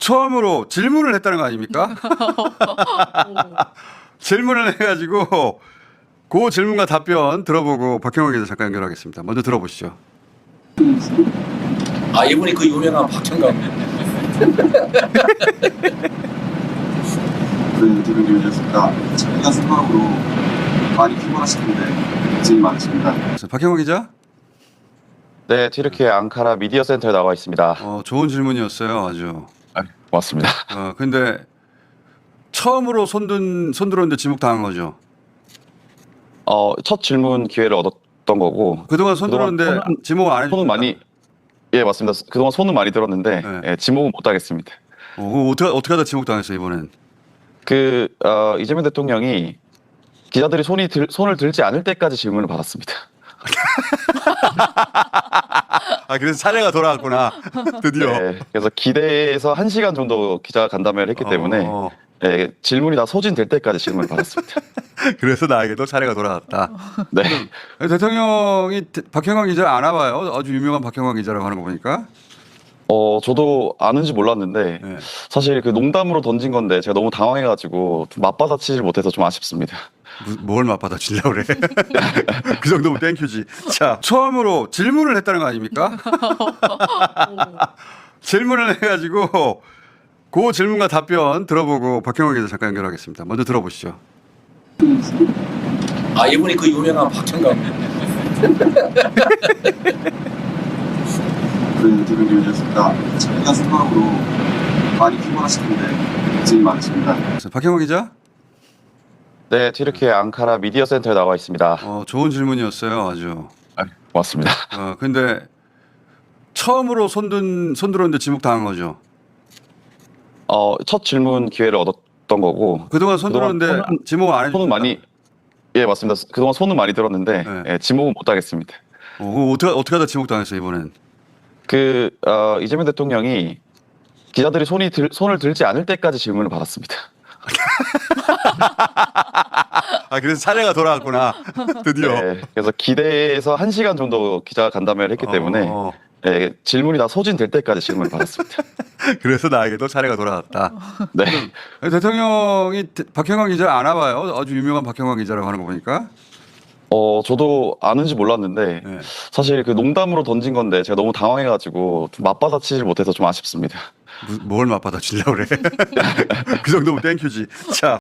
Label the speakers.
Speaker 1: 처음으로 질문을 했다는 거 아닙니까? 질문을 해가지고 그 질문과 답변 들어보고 박형욱 기자 잠깐 연결하겠습니다. 먼저 들어보시죠.
Speaker 2: 아, 이분이 그 유명한 박형감.
Speaker 3: 인터뷰를 위해서니까 자기가 생각으로 많이 피곤하실 텐데 고생이 많으십니다.
Speaker 1: 박형욱 기자,
Speaker 4: 네, 튀르키예 앙카라 미디어 센터에 나와 있습니다.
Speaker 1: 좋은 질문이었어요, 아주.
Speaker 4: 고맙습니다.
Speaker 1: 근데 처음으로 손 들었는데 지목 당한 거죠.
Speaker 4: 첫 질문 기회를 얻었던 거고.
Speaker 1: 그동안 손 들었는데 지목 안
Speaker 4: 손은
Speaker 1: 해주셨다.
Speaker 4: 많이, 예, 맞습니다. 그동안 손은 많이 들었는데,
Speaker 1: 네.
Speaker 4: 예, 지목은 못 하겠습니다.
Speaker 1: 어떻게 하다 지목 당했어요 이번엔?
Speaker 4: 이재명 대통령이 기자들이 손을 들지 않을 때까지 질문을 받았습니다.
Speaker 1: 그래서 차례가 돌아왔구나. 드디어.
Speaker 4: 네, 그래서 기대해서 1시간 정도 기자 간담회를 했기 때문에, 예, 질문이 다 소진될 때까지 질문을 받았습니다.
Speaker 1: 그래서 나에게도 차례가 돌아왔다.
Speaker 4: 네.
Speaker 1: 대통령이 박형욱 기자를 아나 봐요. 아주 유명한 박형욱 기자라고 하는 거 보니까.
Speaker 4: 저도 아는지 몰랐는데,
Speaker 1: 네.
Speaker 4: 사실 그 농담으로 던진 건데 제가 너무 당황해가지고 좀 맞받아치질 못해서 좀 아쉽습니다.
Speaker 1: 뭘 맞받아치려고 그래. 그 정도면 땡큐지. 자, 처음으로 질문을 했다는 거 아닙니까? 질문을 해가지고 그 질문과 답변 들어보고 박형욱 기자 잠깐 연결하겠습니다. 먼저 들어보시죠.
Speaker 2: 아, 이분이 그 유명한 박형감.
Speaker 3: 인터뷰를 위해서니까 자기가 생각으로 많이 피곤하실 텐데 고생이 많으십니다.
Speaker 1: 박형욱 기자,
Speaker 4: 네, 튀르키예 앙카라 미디어 센터에 나와 있습니다.
Speaker 1: 좋은 질문이었어요, 아주.
Speaker 4: 고맙습니다.
Speaker 1: 근데 처음으로 손 들었는데 지목 당한 거죠.
Speaker 4: 첫 질문 기회를 얻었던 거고.
Speaker 1: 그동안 손 들었는데 지목 안 해주셨다.
Speaker 4: 손은 많이, 예, 맞습니다. 그동안 손은 많이 들었는데,
Speaker 1: 네.
Speaker 4: 예, 지목은 못 하겠습니다.
Speaker 1: 어떻게 하다 지목 당했어요 이번엔?
Speaker 4: 이재명 대통령이 기자들이 손을 들지 않을 때까지 질문을 받았습니다.
Speaker 1: 그래서 차례가 돌아왔구나. 드디어.
Speaker 4: 네, 그래서 기대해서 1시간 정도 기자 간담회를 했기 때문에, 예, 질문이 다 소진될 때까지 질문을 받았습니다.
Speaker 1: 그래서 나에게도 차례가 돌아왔다.
Speaker 4: 네.
Speaker 1: 대통령이 박형욱 기자를 아나 봐요. 아주 유명한 박형욱 기자라고 하는 거 보니까.
Speaker 4: 저도 아는지 몰랐는데,
Speaker 1: 네.
Speaker 4: 사실 그 농담으로 던진 건데 제가 너무 당황해가지고 좀 맞받아치질 못해서 좀 아쉽습니다.
Speaker 1: 뭘 맞받아치려고 그래. 그 정도면 땡큐지. 자.